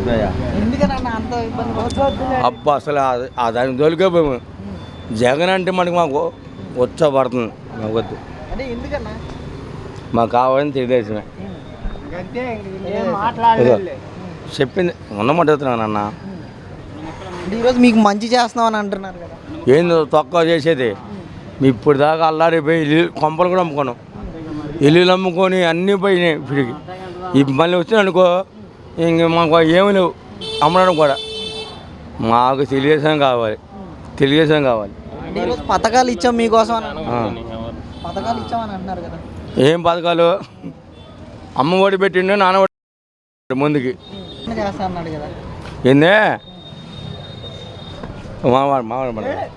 వస్తున్నాయా అబ్బా అసలు దానికి దొరికిపోయాము. జగన్ అంటే మాకు ఉత్సాహపడుతుంది. మాకు వద్దు, మాకు కావాలని తెలియజేసిన చెప్పింది ఉన్నమాడుతున్నాను అన్న. ఈరోజు మీకు మంచి చేస్తున్నామని అంటున్నారు కదా, ఏంది తక్కువ చేసేది? ఇప్పుడు దాకా అల్లాడిపోయి ఇల్లు కొంపలు కూడా అమ్ముకున్నాం, ఇల్లులు అమ్ముకొని అన్నీ పోయినాయి. ఇప్పటికి మళ్ళీ వచ్చిన అనుకో ఇంక మాకు ఏమి లేవు అమ్మడం కూడా. మాకు తెలుగుదేశం కావాలి, తెలుగుదేశం కావాలి. ఈరోజు పథకాలు ఇచ్చాం మీకోసం, పథకాలు ఇచ్చామని అంటున్నారు కదా. ఏం పథకాలు? అమ్మ ఒడి పెట్టిండు, నాన్న ఒడి ముందుకి చేస్తా అన్నాడు కదా. ఏందే మావాడు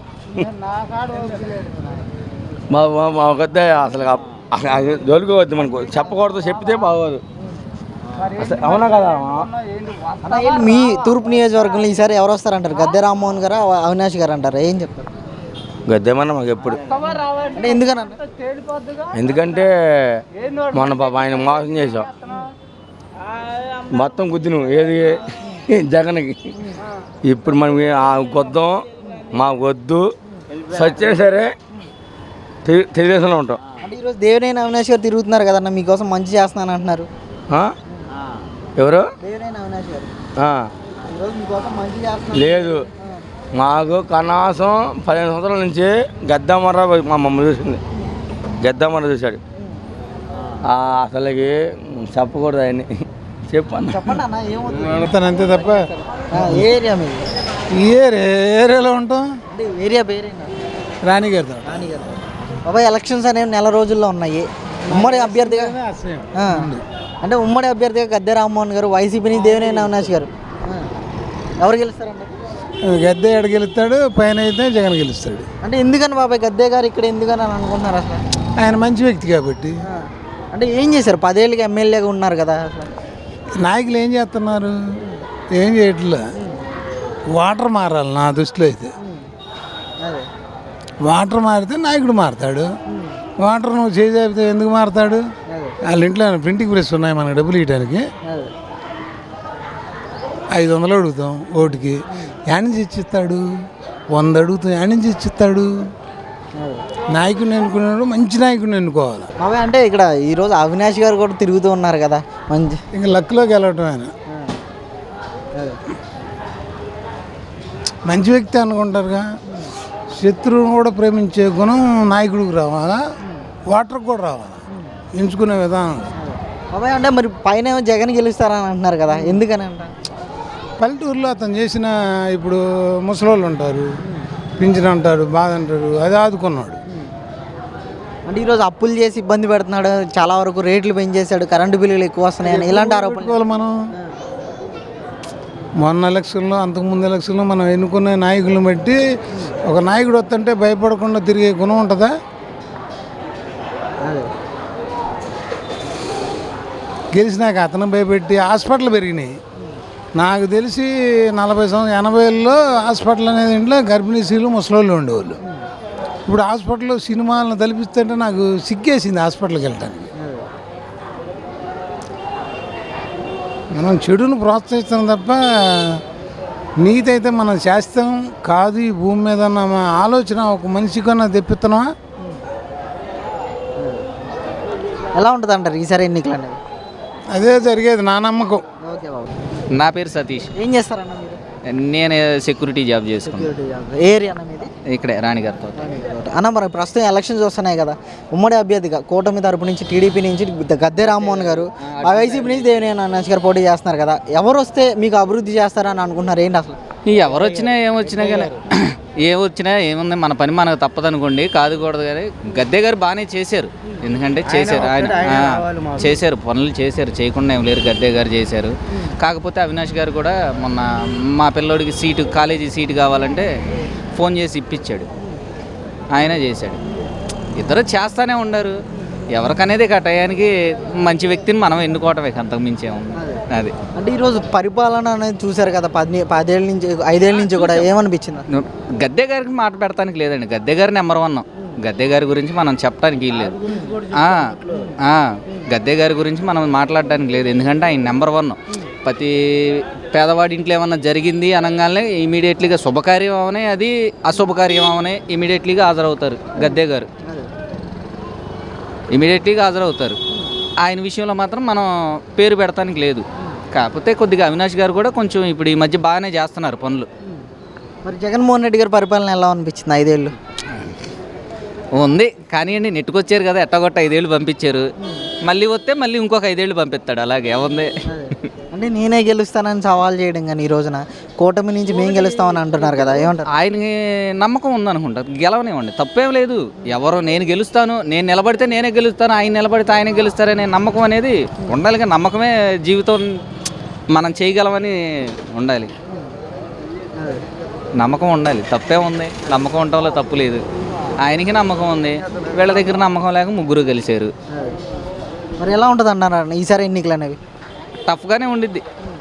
మాకొద్దే అసలు దొరికవద్దు, మనకు చెప్పకూడదు, చెప్తే బాగోదు. అవునా కదా? మీ తూర్పు నియోజకవర్గంలో ఈసారి ఎవరు వస్తారంటారు? గద్దె రామ్మోహన్ గారు, అవినాష్ గారు అంటారు, ఏం చెప్తారు? గద్దెమన్నా మాకు ఎప్పుడు. అంటే ఎందుకన్నా? ఎందుకంటే మొన్న పాప ఆయన మోసం చేసాం, మొత్తం గుద్దిను ఏది జగన్కి. ఇప్పుడు మనం కొద్దాం, మాకు వద్దు, సచ్చినా సరే తెలుగుదేశంలో ఉంటాం. అంటే ఈరోజు దేవినేని అవినాష్ గారు తిరుగుతున్నారు కదన్న, మీకోసం మంచి చేస్తున్నాను అంటున్నారు. ఎవరు? దేవినేని అవినాష్ గారు ఈరోజు మీకోసం మంచి చేస్తున్నారు. లేదు, మాకు కనీసం 15 సంవత్సరాల నుంచి గద్దమర్ర మా మమ్మల్ని చూసింది, గద్దమర్ర చూశాడు. అసలుకి చెప్పకూడదు ఆయన్ని. చెప్పండి అన్న, ఏమవుతుంది అంతే తప్ప. ఏరియా మీది? ఏరియాలో ఉంటాం. అంటే ఏరియా పేరేనా? రాణిగారితో. బాబాయ్, ఎలక్షన్స్ అనేవి నెల రోజుల్లో ఉన్నాయి. ఉమ్మడి అభ్యర్థిగా అంటే ఉమ్మడి అభ్యర్థిగా గద్దె రామ్మోహన్ గారు, వైసీపీ నుంచి దేవినేని అవినాష్ గారు, ఎవరు గెలుస్తారండి? గద్దె ఎక్కడ గెలుస్తాడు, పైన అయితే జగన్ గెలుస్తాడు. అంటే ఎందుకని బాబాయ్ గద్దె గారు ఇక్కడ ఎందుకని అని అనుకుంటున్నారు అసలు? ఆయన మంచి వ్యక్తి కాబట్టి. అంటే ఏం చేశారు? 10 ఏళ్ళకి ఎమ్మెల్యేగా ఉన్నారు కదా. నాయకులు ఏం చేస్తున్నారు? ఏం చేయట్లే. వాటర్ మారాలి నా దృష్టిలో అయితే. వాటర్ మారితే నాయకుడు మారుతాడు. వాటర్ నువ్వు చేసేపితే ఎందుకు మారుతాడు? వాళ్ళ ఇంట్లో ప్రింటింగ్ ప్రెస్ ఉన్నాయి, మనకు డబ్బులు ఇవ్వడానికి 500 అడుగుతాం ఓటుకి, యాడ్ నుంచి ఇచ్చిస్తాడు. 100 అడుగుతాం, యాడ్ నుంచి ఇచ్చిస్తాడు. నాయకుడిని ఎన్నుకున్నాడు, మంచి నాయకుడిని ఎన్నుకోవాలి. బాబాయ్, అంటే ఇక్కడ ఈరోజు అవినాష్ గారు కూడా తిరుగుతూ ఉన్నారు కదా, మంచి ఇంకా లక్లోకి వెళ్ళటం. ఆయన మంచి వ్యక్తి అనుకుంటారుగా. శత్రువును కూడా ప్రేమించే గుణం నాయకుడికి రావాలా, వాటర్కి కూడా రావాలా, ఎంచుకునే విధానం. బాబాయ్, అంటే మరి పైన జగన్ గెలుస్తారని అంటున్నారు కదా, ఎందుకని అంటారు? పల్లెటూరులో అతను చేసిన, ఇప్పుడు ముసలోళ్ళు ఉంటారు, పింఛన్ అంటారు, బాధ అంటారు, అది ఆదుకున్నాడు. అంటే ఈరోజు అప్పులు చేసి ఇబ్బంది పెడుతున్నాడు, చాలా వరకు రేట్లు పెంచేశాడు, కరెంటు బిల్లులు ఎక్కువ వస్తున్నాయని ఇలాంటి ఆరోపణలు. మనం మొన్న ఎలక్షన్లో, అంతకుముందు ఎలక్షన్లో మనం ఎన్నుకునే నాయకులను బట్టి ఒక నాయకుడు వస్తుంటే భయపడకుండా తిరిగే గుణం ఉంటుందా? గెలిచినాక అతను భయపెట్టి హాస్పిటల్ పెరిగినాయి. నాకు తెలిసి 80లో హాస్పిటల్ అనేది ఇంట్లో గర్భిణీ స్త్రీలు, ముసలోళ్ళు ఉండేవాళ్ళు. ఇప్పుడు హాస్పిటల్లో సినిమాలను తలపిస్తుంటే నాకు సిగ్గేసింది హాస్పిటల్కి వెళ్ళటానికి. మనం చెడును ప్రోత్సహిస్తాం తప్ప నీతి అయితే మనం చేస్తాం కాదు. ఈ భూమి మీద ఉన్న ఆలోచన ఒక మనిషి కన్నా తెప్పిస్తున్నావా? ఎలా ఉంటుంది అంటారు ఈసారి ఎన్నికలు అనేవి? అదే జరిగేది నా నమ్మకం. ఓకే బాబు. నా పేరు సతీష్. ఏం చేస్తారన్న మీరు? నేను సెక్యూరిటీ జాబ్ చేసుకున్నాను. ఏరియా అన్న మీది? ఇక్కడే రాణిగారితో. అన్న, మరి ప్రస్తుతం ఎలక్షన్స్ వస్తున్నాయి కదా, ఉమ్మడి అభ్యర్థిగా కూటమి తరపు నుంచి టీడీపీ నుంచి గద్దె రామ్మోహన్ గారు, వైసీపీ నుంచి దేవినేని అవినాష్ గారు పోటీ చేస్తున్నారు కదా, ఎవరు వస్తే మీకు అభివృద్ధి చేస్తారని అనుకుంటున్నారు? ఏంటి అసలు? ఎవరు వచ్చినా ఏమొచ్చినా కానీ ఏమొచ్చినా ఏముంది, మన పని మనకు తప్పదనుకోండి, కాదుకూడదు. కానీ గద్దె గారు బాగానే చేశారు, ఎందుకంటే చేశారు, ఆయన చేశారు, పనులు చేశారు, చేయకుండా ఏం లేరు. గద్దె గారు చేశారు. కాకపోతే అవినాష్ గారు కూడా మొన్న మా పిల్లోడికి సీటు, కాలేజీ సీటు కావాలంటే ఫోన్ చేసి ఇప్పించాడు, ఆయన చేశాడు. ఇద్దరు చేస్తూనే ఉన్నారు. ఎవరికనేది టయానికి మంచి వ్యక్తిని మనం ఎన్నుకోవటమే, అంతకు మించేముంది. అది అంటే ఈరోజు పరిపాలన అనేది చూశారు కదా, 10 ఏళ్ళ నుంచి 5 ఏళ్ళ నుంచి కూడా ఏమనిపించింది? గద్దె గారికి మాట పెడతానికి లేదండి. గద్దె గారు నెంబర్ 1. గద్దె గారి గురించి మనం చెప్పడానికి లేదు. గద్దె గారి గురించి మనం మాట్లాడడానికి లేదు, ఎందుకంటే ఆయన నెంబర్ 1. ప్రతి పేదవాడి ఇంట్లో ఏమన్నా జరిగింది అనగానే ఇమీడియట్లీగా శుభకార్యం అవనే అది అశుభకార్యం అవనే ఇమీడియట్లీగా హాజరవుతారు గద్దె గారు. ఇమీడియట్లీగా హాజరవుతారు. ఆయన విషయంలో మాత్రం మనం పేరు పెడతానికి లేదు. కాకపోతే కొద్దిగా అవినాష్ గారు కూడా కొంచెం ఇప్పుడు ఈ మధ్య బాగానే చేస్తున్నారు పనులు. మరి జగన్మోహన్ రెడ్డి గారి పరిపాలన ఎలా అనిపించింది 5 ఏళ్ళు? ఉంది కానీ అండి, నెట్టుకొచ్చారు కదా, ఎట్టగొట్ట 5 ఏళ్ళు పంపించారు. మళ్ళీ వస్తే మళ్ళీ ఇంకొక 5 ఏళ్ళు పంపిస్తాడు. అలాగే ఉంది. అంటే నేనే గెలుస్తానని సవాల్ చేయడం కానీ ఈ రోజున కూటమి నుంచి మేము గెలుస్తామని అంటున్నారు కదా, ఏమంటారు? ఆయనకి నమ్మకం ఉందనుకుంటారు, గెలవనివ్వండి, తప్పేం లేదు. ఎవరో నేను గెలుస్తాను, నేను నిలబడితే నేనే గెలుస్తాను, ఆయన నిలబడితే ఆయనే గెలుస్తారనే నమ్మకం అనేది ఉండాలి. నమ్మకమే జీవితం, మనం చేయగలమని ఉండాలి. నమ్మకం ఉండాలి, తప్పే ఉంది. నమ్మకం ఉండటంలో తప్పు లేదు. ఆయనకి నమ్మకం ఉంది, వీళ్ళ దగ్గర నమ్మకం లేక ముగ్గురు కలిశారు. మరి ఎలా ఉంటుంది అన్నారు ఈసారి ఎన్నికలు అనేవి? టఫ్గానే ఉండిద్ది.